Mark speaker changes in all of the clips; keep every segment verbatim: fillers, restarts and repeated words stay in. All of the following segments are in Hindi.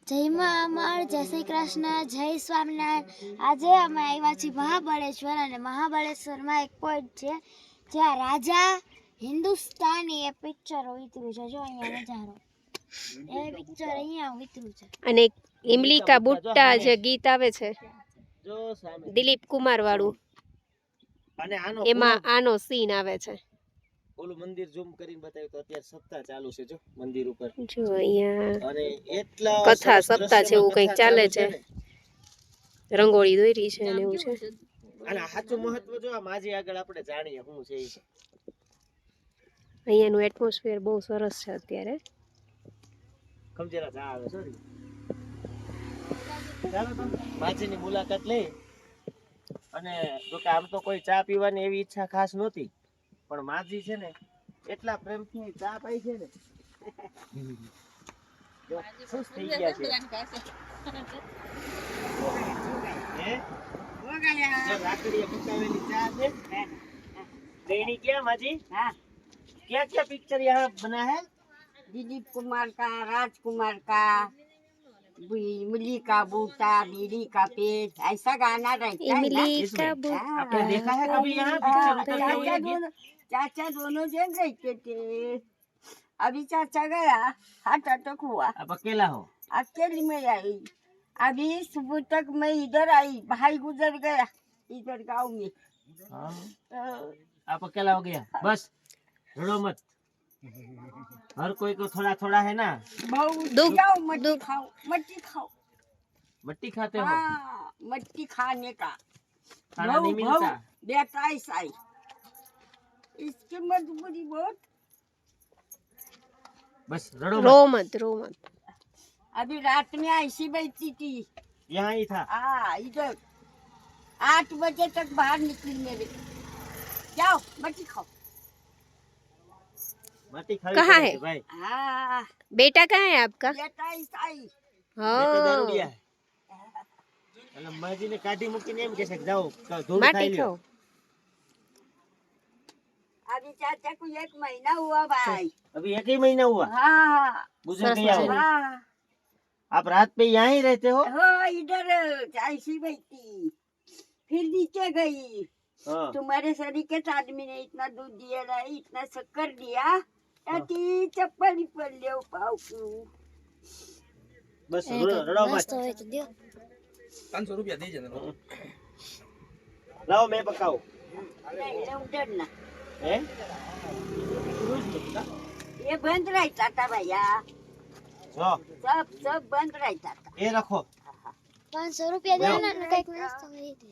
Speaker 1: જય મા અમર, જય શ્રી કૃષ્ણ, જય સ્વામિનારાયણ। આજે અમે આવ્યા છીએ મહાબળેશ્વર અને મહાબળેશ્વરમાં એક પોઈન્ટ છે જ્યાં રાજા હિન્દુસ્તાની એ પિક્ચર ઉતર્યું છે। જો અહીંયા નજારો, એ પિક્ચર અહીંયા ઉતર્યું છે।
Speaker 2: અને ઇમલી કા બુટ્ટા જે ગીત આવે છે દિલીપ કુમાર વાળું,
Speaker 3: અને આનો
Speaker 2: એમાં આનો સીન આવે છે।
Speaker 3: ઓલું મંદિર ઝૂમ કરીને બતાવ્યું તો અત્યારે સપ્તાહ ચાલુ છે જો મંદિર ઉપર,
Speaker 2: જો અહીંયા
Speaker 3: અને એટલા
Speaker 2: કથા સપ્તાહ છે એવું કંઈક ચાલે છે, રંગોળી દોરી છે અને એવું છે।
Speaker 3: અને સાચું મહત્વ જો આ માજી આગળ આપણે જાણીએ શું છે ઈ।
Speaker 2: અહીંયાનું એટમોસ્ફિયર બહુ સરસ છે અત્યારે।
Speaker 3: ખમજેરા ચા આવે સોરી, ચાલો તો માજીની મુલાકાત લઈ। અને જો કે આમ તો કોઈ ચા પીવાની એવી ઈચ્છા ખાસ નહોતી, પણ માજી છે ને એટલા પ્રેમથી ચા પાઈ છે ને જો ખુશ થઈ ગયા છે। હે જો લાકડીએ પકાવેલી ચા છે। देनी क्या माजी? हाँ। क्या क्या पिक्चर यहाँ बना है?
Speaker 4: दिलीप कुमार का, राजकुमार का, इमली का बूटा, बीड़ी का पेट, ऐसा गाना रहता है ना।
Speaker 2: इमली का बूटा,
Speaker 3: आपने देखा है कभी यहाँ पिक्चर उतरते हुए?
Speaker 4: चाचा दोनों चाचा दोनों जन रहते थे। अभी चाचा गया, हार्ट अटैक हुआ।
Speaker 3: आप अकेला हो?
Speaker 4: अकेली में आई। अभी सुबह तक मैं इधर आई, भाई गुजर गया इधर गाँव में।
Speaker 3: हाँ। आप अकेला हो गया? बस रो मत, हर कोई को थोड़ा थोड़ा है ना।
Speaker 4: बहुत खाओ, मट्टी खाओ, मट्टी खाओ।
Speaker 3: मट्टी खाते हो?
Speaker 4: हाँ, मट्टी खाने का
Speaker 3: खाना नहीं मिलता।
Speaker 4: बेटा ऐसा ही, इसकी मजबूरी बहुत।
Speaker 3: बस रो
Speaker 2: रो
Speaker 3: मत।
Speaker 2: मत रो मत।
Speaker 4: अभी रात में ऐसी बैठी थी,
Speaker 3: यहाँ ही था।
Speaker 4: हाँ इधर आठ बजे तक बाहर निकली मेरे। जाओ मट्टी खाओ।
Speaker 3: मट्टी खाई
Speaker 2: कहाँ
Speaker 3: पड़े
Speaker 2: है?
Speaker 3: भाई?
Speaker 4: हाँ
Speaker 2: बेटा कहाँ है आपका?
Speaker 4: बेटा ऐसा ही।
Speaker 3: ये तो
Speaker 2: हाँ,
Speaker 3: दारूडिया है। એટલે માજીને કાઢી મૂકીને એમ કહેશે કે જાઓ ધૂળ
Speaker 2: माटी
Speaker 3: ખાઈ લ્યો।
Speaker 2: खाओ।
Speaker 4: अभी चाचा को एक महीना हुआ भाई।
Speaker 3: अभी एक ही महीना हुआ
Speaker 4: हाँ
Speaker 3: गुजर गया हो?
Speaker 4: हाँ
Speaker 3: आप रात पे यहाँ ही रहते हो?
Speaker 4: हाँ इधर ऐसी बैठी, फिर नीचे गई।
Speaker 3: हाँ।
Speaker 4: तुम्हारे शरीर के आदमी ने इतना दूध दिया ना, इतना शक्कर दिया, ताकि चप्पल ही पड़ ले पाओ क्यों।
Speaker 3: बस रो- रड़ो मत।
Speaker 1: મસ્ત હોય તો દ્યો।
Speaker 5: પાંચસો રૂપિયા દઈ જને
Speaker 3: लाओ मैं पकाऊं।
Speaker 4: नहीं ले उधर ना,
Speaker 3: हैं?
Speaker 4: ये बंद रहता था भैया,
Speaker 3: जो
Speaker 4: सब सब बंद रहता था।
Speaker 3: ये रखो।
Speaker 1: પાંચસો રૂપિયા દે ને કઈક નાસ્તો કરી દે।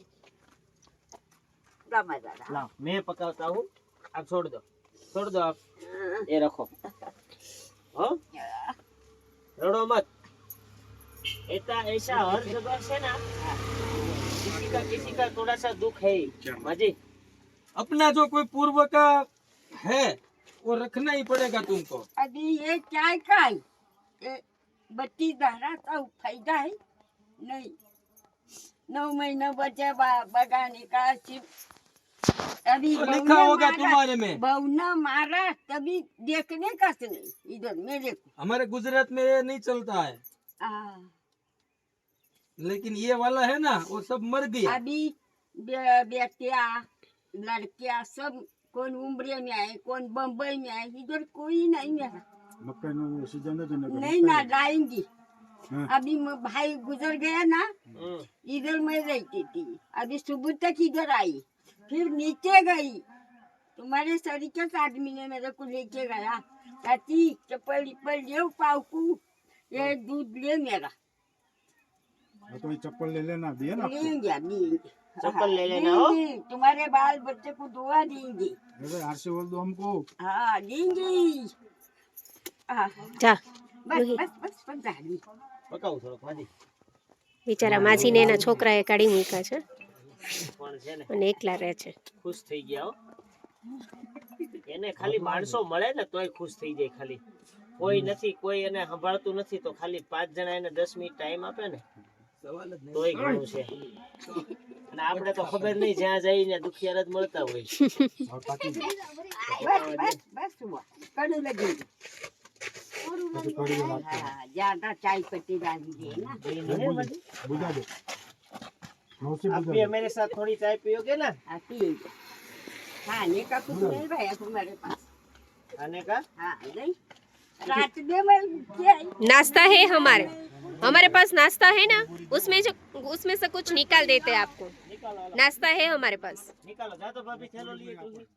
Speaker 4: रमजान
Speaker 3: लाओ मैं पकाता हूँ, आप छोड़ दो, छोड़ दो आप, ये रखो। हाँ? रड़ो मत। ऐसा ऐसा हर जगह से ना किसी का किसी का थोड़ा सा दुख है ही। माजी
Speaker 5: अपना जो कोई पूर्व का है वो रखना ही पड़ेगा तुमको।
Speaker 4: अभी ये क्या खाई, ये बत्ती धारा का फायदा है नहीं। नौ महीने बचे बा- बगाने का सिर्फ अभी
Speaker 5: तो
Speaker 4: बहू
Speaker 5: लिखा
Speaker 4: ने
Speaker 5: होगा
Speaker 4: मारा-
Speaker 5: तुम्हारे में।
Speaker 4: बहू ने मारा तभी देखने का से नहीं इधर मेरे को।
Speaker 5: हमारे गुजरात में ये नहीं चलता है,
Speaker 4: हाँ,
Speaker 5: लेकिन ये वाला है ना वो सब मर गया।
Speaker 4: अभी बे- बेटिया लड़कियां सब कौन उम्र में आए, कौन बम्बई में आए, इधर कोई नहीं मेरा नहीं ना लाएंगी। अभी म- भाई गुजर गया ना, इधर मैं रहती थी। अभी सुबह तक इधर आई, फिर नीचे गई। तुम्हारे शरीर के आदमी ने मेरे को लेके गया, चाची चप्पल लिप्पल ले पाऊकू, ये दूध ले मेरा।
Speaker 6: तो ये चप्पल ले लेना भी है ना आपको?
Speaker 4: लेंगे लेंगे
Speaker 3: चप्पल ले लेना हो।
Speaker 4: देंगे, तुम्हारे बाल बच्चे को दुआ देंगे।
Speaker 6: अरे यार से बोल दो हमको।
Speaker 4: हाँ देंगे। हाँ,
Speaker 2: જા
Speaker 4: बस बस बस बस झाड़ी।
Speaker 3: પકાવું થોડોક માજી।
Speaker 2: બિચારા માજીને એના છોકરાએ કાઢી મૂક્યા છે
Speaker 3: પણ છે ને
Speaker 2: અને એકલા રહે છે।
Speaker 3: ખુશ થઈ ગયા હો। એને ખાલી માણસો મળે ને તોય ખુશ થઈ જાય। ખાલી કોઈ નથી, કોઈ એને સંભાળતું નથી, તો ખાલી પાંચ જણા એને દસ મિનિટ ટાઈમ આપે ને તોય ઘણું છે। અને આપણે તો ખબર નહીં, જ્યાં જઈને દુખિયાર જ મળતા હોય।
Speaker 4: बस बस बस हुआ कड़ू लगेगी।
Speaker 6: પછી થોડી વાર વાત
Speaker 4: हाँ ज्यादा चाय पत्ती डाली है ना
Speaker 3: ये नहीं है बड़ी।
Speaker 6: बुझा दो मौसी
Speaker 3: आप
Speaker 6: बुझा
Speaker 3: भी
Speaker 6: दो
Speaker 3: मेरे साथ थोड़ी चाय पियोगे ना?
Speaker 4: हाँ पिएंगे खाने का कुछ नहीं रहा तुम्हारे पास
Speaker 3: खाने का
Speaker 4: हाँ नहीं रात में मैं क्या है?
Speaker 2: नाश्ता है हमारे हमारे पास नाश्ता है ना, उसमें जो उसमें से कुछ निकाल देते हैं आपको।
Speaker 3: निकालो लो,
Speaker 2: नाश्ता है हमारे पास।
Speaker 3: निकालो जा तो भाभी थैलो लिए तुझे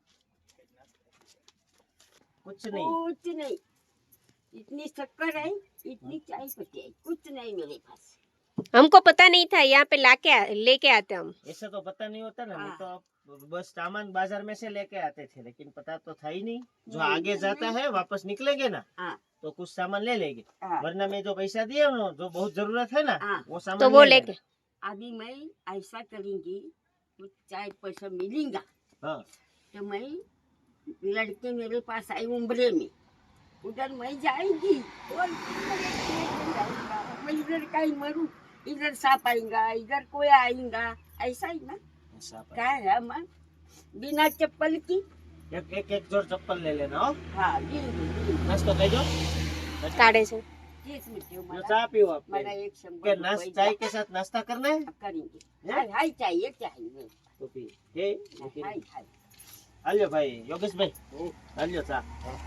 Speaker 3: कुछ नहीं।
Speaker 4: कुछ नहीं इतनी शक्कर है इतनी चाय पत्ती है कुछ नहीं मेरे पास
Speaker 2: हमको पता नहीं था, यहाँ पे लाके आ- लेके आते हम।
Speaker 3: ऐसा तो पता नहीं होता ना,
Speaker 4: हाँ।
Speaker 3: नहीं तो बस सामान बाजार में से लेके आते थे, लेकिन पता तो था ही नहीं। जो
Speaker 4: नहीं,
Speaker 3: आगे जाता है वापस निकलेंगे ना
Speaker 4: हाँ
Speaker 3: तो कुछ सामान ले लेंगे,
Speaker 4: हाँ
Speaker 3: वरना में जो पैसा दिए ना जो बहुत जरूरत है ना
Speaker 4: हाँ।
Speaker 3: वो सामान
Speaker 2: तो वो
Speaker 3: ले
Speaker 2: लेके
Speaker 4: अभी मैं ऐसा करूंगी कुछ चाय पैसा मिलेगा
Speaker 3: हाँ
Speaker 4: तो मैं लड़के मेरे पास आई उम्र में उधर मैं जाएंगी और मैं इधर कहीं मरूं इधर सांप आएगा इधर कोई आएगा ऐसा ही ना
Speaker 3: ऐसा पर।
Speaker 4: क्या है मैं बिना चप्पल की
Speaker 3: एक एक एक जोड़ चप्पल ले लेना हो,
Speaker 4: हाँ जी जी
Speaker 3: नाश्तो करो
Speaker 2: काढ़े છે।
Speaker 4: तीस मिनट
Speaker 3: जो
Speaker 4: मला
Speaker 3: चाय पियो आप
Speaker 4: मला एक
Speaker 3: के
Speaker 4: शंबर
Speaker 3: नाश्ता
Speaker 4: रुपये
Speaker 3: चाय के साथ नाश्ता करना है
Speaker 4: करेंगे
Speaker 3: हैं?
Speaker 4: हाय हाय चाहिए चाहिए
Speaker 3: तो पी हे लेकिन
Speaker 4: हाय हाय
Speaker 3: हालियो भाई योगेश भाई हालियो चा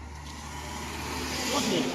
Speaker 3: कुछ नहीं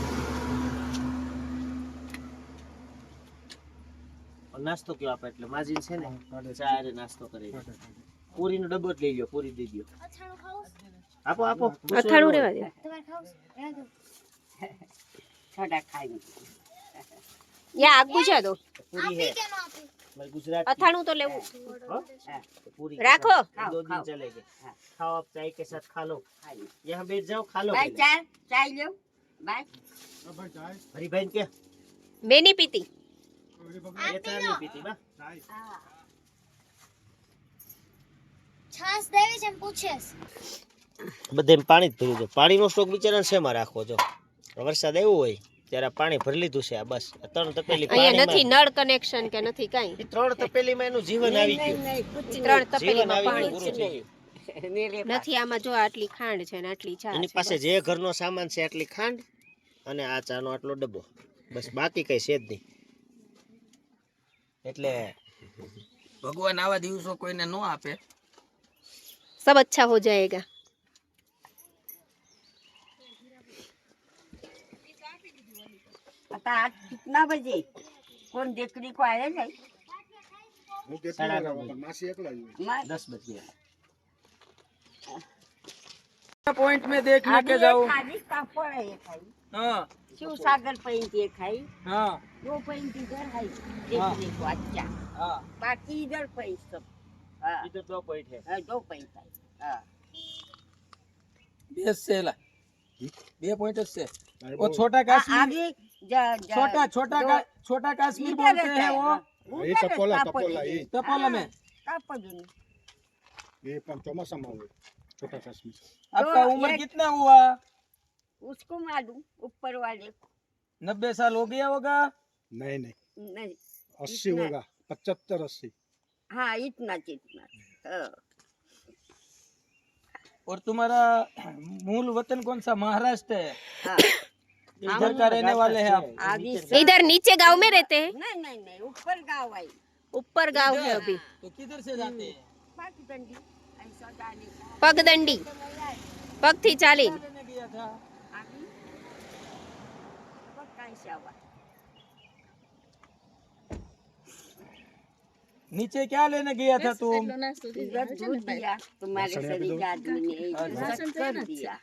Speaker 3: और नास्तो क्यों आप એટલે માજીન છે ને ચા રે નાસ્તો કરી પૂરીનો ડબ્બો જ લઈ લ્યો પૂરી દઈ દ્યો
Speaker 1: અથાણું ખાવું
Speaker 3: આપો આપો
Speaker 2: અથાણું રેવા દે।
Speaker 1: તમારે ખાવું રહેવા દો
Speaker 4: थोड़ा खाएंगे
Speaker 2: यहाँ आग बुझा दो।
Speaker 3: પૂરી है
Speaker 1: કેમ આપી
Speaker 3: मैं गुजरात
Speaker 2: અથાણું तो लेવું।
Speaker 3: हाँ? तो पूरी
Speaker 2: राखो।
Speaker 3: दो दिन
Speaker 4: खाओ।
Speaker 3: चलेंगे
Speaker 4: हाँ।
Speaker 3: खाओ आप चाय के साथ खा लो
Speaker 4: खाएंगे
Speaker 3: यहाँ बैठ जाओ खा लो
Speaker 4: बाय
Speaker 3: पहले।
Speaker 4: चाय चाय लो बाय
Speaker 6: ભાઈ ચાય
Speaker 3: हरी बहन क्या
Speaker 2: मैं नहीं पीती।
Speaker 3: ये चाय नहीं पीती ना
Speaker 6: ચાય
Speaker 4: हाँ
Speaker 1: છાસ દેવી છે એમ પૂછે
Speaker 3: બધે પાણી જ ભર્યું છે પાણીનો સ્ટોક બિચારાને શેમાં રાખવો જો વરસાદ આવ્યો હોય ત્યારે પાણી ભરી લીધું છે આ બસ આ ત્રણ તપેલી
Speaker 2: અહીંયા
Speaker 3: પાણીમાં-
Speaker 2: નથી નળ કનેક્શન કે નથી કાંઈ।
Speaker 3: ઈ ત્રણ તપેલીમાં એનું જીવન આવી
Speaker 4: नहीं
Speaker 3: ગયું
Speaker 4: नहीं कुछ
Speaker 2: ત્રણ
Speaker 3: જીવન
Speaker 2: તપેલીમાં
Speaker 3: આવી
Speaker 2: પાણી
Speaker 3: ગયું પૂરું થઈ ગયું
Speaker 4: नहीं मेरे पास
Speaker 2: નથી। આમાં જો આટલી ખાંડ છે ને આટલી ચા
Speaker 3: એની
Speaker 2: છે
Speaker 3: પાસે
Speaker 2: બસ।
Speaker 3: જે ઘરનો સામાન છે આટલી ખાંડ અને આ ચાનો આટલો ડબ્બો બસ બાકી કઈ છે જ નહીં એટલે
Speaker 5: ભગવાન આવા દિવસો કોઈને ન આપે।
Speaker 2: सब अच्छा हो जाएगा।
Speaker 4: पता आज कितना बजे कौन देखने को आया है
Speaker 6: હું કેટલી
Speaker 3: સાડા
Speaker 6: વાર
Speaker 3: નવ
Speaker 6: આવ્યો? માસી એકલા જ હોય.
Speaker 4: मैं
Speaker 3: દસ બજ ગયા
Speaker 5: पॉइंट में देखने
Speaker 4: अभी
Speaker 5: के
Speaker 4: एक
Speaker 5: जाओ।
Speaker 4: खाली कापड़ है ये खाई
Speaker 5: हाँ
Speaker 4: शिव सागर पेंट ये खाई
Speaker 5: हाँ
Speaker 4: वो पेंट इधर है देखने को अच्छा
Speaker 5: हाँ
Speaker 4: बाकी इधर पेंट सब हाँ
Speaker 3: इधर दो पॉइंट है
Speaker 4: हाँ, दो पेंट है हाँ
Speaker 5: बेस से ला बे पॉइंट से
Speaker 6: તારે
Speaker 5: वो
Speaker 6: બહુ-
Speaker 5: छोटा
Speaker 4: आ-
Speaker 5: कश्मीर
Speaker 4: आगे जा- जा-
Speaker 5: छोटा छोटा
Speaker 4: दो-
Speaker 5: का छोटा कश्मीर
Speaker 4: इधर
Speaker 5: बोलते
Speaker 4: रहता
Speaker 5: हैं
Speaker 4: है,
Speaker 5: वो
Speaker 4: हाँ,
Speaker 6: એ
Speaker 4: उधर है
Speaker 6: ટપોલા
Speaker 4: कापड़
Speaker 6: ટપોલા
Speaker 4: ये।
Speaker 6: એ
Speaker 5: टपोला में।
Speaker 4: हाँ, कापड़ ये।
Speaker 6: એ પણ ચોમાસામાં હોય છોટા કાશ્મીર
Speaker 5: आपका
Speaker 4: तो
Speaker 5: उम्र
Speaker 4: एक-
Speaker 5: कितना हुआ?
Speaker 4: उसको मालूम ऊपर वाले को।
Speaker 5: नब्बे साल हो गया होगा।
Speaker 6: નહીં નહીં
Speaker 4: नहीं
Speaker 6: અસી
Speaker 4: इतना-
Speaker 6: હોગા પચहत्तर अस्सी
Speaker 4: हाँ इतना जितना हाँ।
Speaker 5: और तुम्हारा मूल वतन कौन सा? महाराष्ट्र है।
Speaker 4: हाँ
Speaker 5: इधर का रहने वाले हैं आप?
Speaker 4: अभी
Speaker 2: इधर नीचे गांव में रहते हैं।
Speaker 4: नहीं नहीं नहीं ऊपर गाँव आई
Speaker 2: ऊपर गांव है अभी।
Speaker 5: तो किधर से जाते हैं?
Speaker 4: बाकी डंडी ऐसा जाने का
Speaker 2: पगदंडी पग थी चाली।
Speaker 5: रहने गया था।
Speaker 4: अभी वो कैसे हुआ
Speaker 5: नीचे क्या लेने गया था तुम?
Speaker 4: इधर दूध दिया तुम्हारे
Speaker 6: राशन
Speaker 4: शरीर के आदमी ने
Speaker 5: अच्छा।
Speaker 4: इधर शक्कर दिया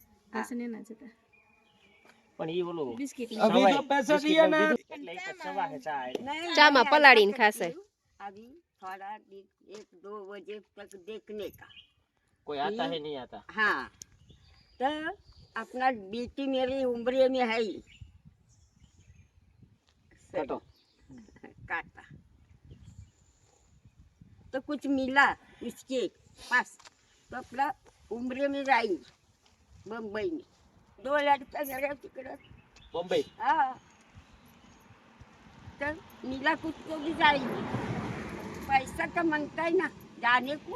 Speaker 3: પણ ઈ ઓલું
Speaker 5: अभी जो पैसा दिया ना
Speaker 3: એટલે ઈ તો સવા હે ચા આઈ
Speaker 4: नहीं,
Speaker 2: चा में
Speaker 4: नहीं,
Speaker 2: पलाड़ी
Speaker 4: ऐसा
Speaker 2: खासे।
Speaker 4: करती हूँ। अभी थोड़ा दे- एक दो बजे तक देखने का
Speaker 3: કોઈ આતા હે નહીં આતા
Speaker 4: हाँ तो अपना बेटी मेरी उम्र में है ही।
Speaker 3: કાટો
Speaker 4: काटा तो कुछ मिला उसके पास तो अपना उम्र में जाएंगे बम्बई में दो लड़का मेरे तिकड़ा
Speaker 3: બોમ્બે
Speaker 4: हाँ तो मिला कुछ तो भी जाएंगे पैसा तो मांगता है ना जाने को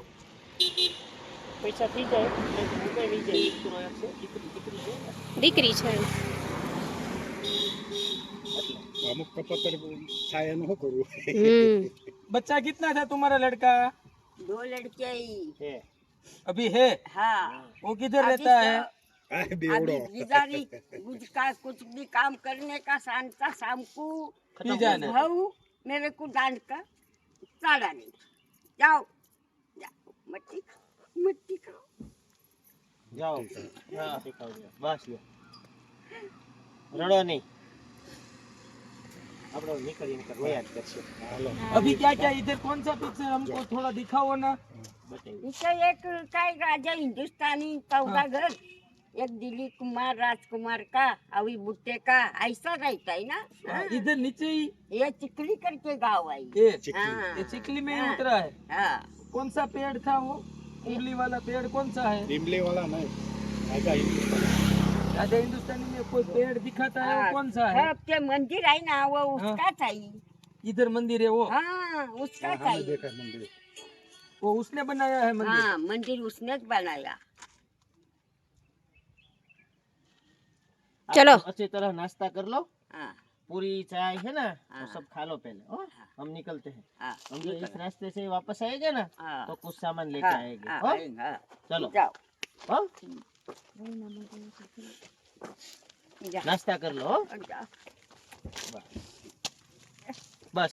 Speaker 3: પૈસા થઈ જાય એટલે મુંબઈ લઈ જાય દીકરો એક છે દીકરી દીકરી છે ને.
Speaker 2: દીકરી છે।
Speaker 6: અમુક કપતર થાય એનું શું કરવું?
Speaker 2: हम्म
Speaker 5: बच्चा कितना था तुम्हारा लड़का?
Speaker 4: दो लड़के ही
Speaker 3: છે
Speaker 5: अभी है?
Speaker 4: हाँ
Speaker 5: वो किधर
Speaker 4: अभी
Speaker 5: रहता है?
Speaker 4: तो-
Speaker 6: આ
Speaker 4: अभी
Speaker 6: બેવડો.
Speaker 4: गिदारी कुछ का कुछ भी काम करने का शांता शाम को
Speaker 5: पी जाना।
Speaker 4: भाऊ मेरे को डांट कर साड़ा नहीं जाओ जाओ मट्टी खाओ मट्टी खाओ
Speaker 3: જાઓ હા બસ લ્યો. રડો નહીં આપણે નીકળી નીકળ રોયા જ કરશે. હાલો
Speaker 5: अभी क्या क्या इधर कौन सा पिक्चर हमको थोड़ा दिखाओ ना.
Speaker 3: બતાવી
Speaker 4: इसे एक काय राजा हिंदुस्तानी चौदह घर एक दिलीप कुमार राजकुमार का अभी बुट्टे का ऐसा रहता है ना हाँ।
Speaker 5: इधर नीचे ही
Speaker 4: ये चिकली करके गाँव आई
Speaker 5: ये
Speaker 4: हाँ
Speaker 5: ये चिकली में ही
Speaker 4: हाँ।
Speaker 5: उतरा है.
Speaker 4: हाँ
Speaker 5: कौन सा पेड़ था वो? इमली वाला पेड़ कौन सा है?
Speaker 6: લીમલીવાળા નહીં. રાજા હિન્દુસ્તાન.
Speaker 5: राजा हिंदुस्तानी में कोई पेड़ दिखाता है वो
Speaker 4: हाँ,
Speaker 5: कौन सा है?
Speaker 4: सब के मंदिर है ना वो उसका चाहिए
Speaker 5: इधर मंदिर है वो
Speaker 4: हाँ उसका
Speaker 6: હા,
Speaker 4: चाहिए
Speaker 6: દેખાય મંદિર.
Speaker 5: वो उसने बनाया है मंदिर.
Speaker 4: हाँ मंदिर उसने ज बनाया
Speaker 2: चलो।
Speaker 3: अच्छी तरह नाश्ता कर लो.
Speaker 4: हाँ
Speaker 3: पूरी चाय है ना वो
Speaker 4: हाँ।
Speaker 3: सब खा लो पहले. ओ, हम निकलते हैं.
Speaker 4: हाँ
Speaker 3: हम जो इस रास्ते से वापस आएंगे ना
Speaker 4: हाँ
Speaker 3: तो कुछ सामान लेके
Speaker 4: हाँ,
Speaker 3: आएंगे.
Speaker 4: हाँ,
Speaker 3: ओ,
Speaker 4: हाँ,
Speaker 3: चलो
Speaker 4: जाओ
Speaker 3: ओ,
Speaker 4: जाओ
Speaker 3: नाश्ता कर लो. ओ.
Speaker 4: जाओ
Speaker 3: बस.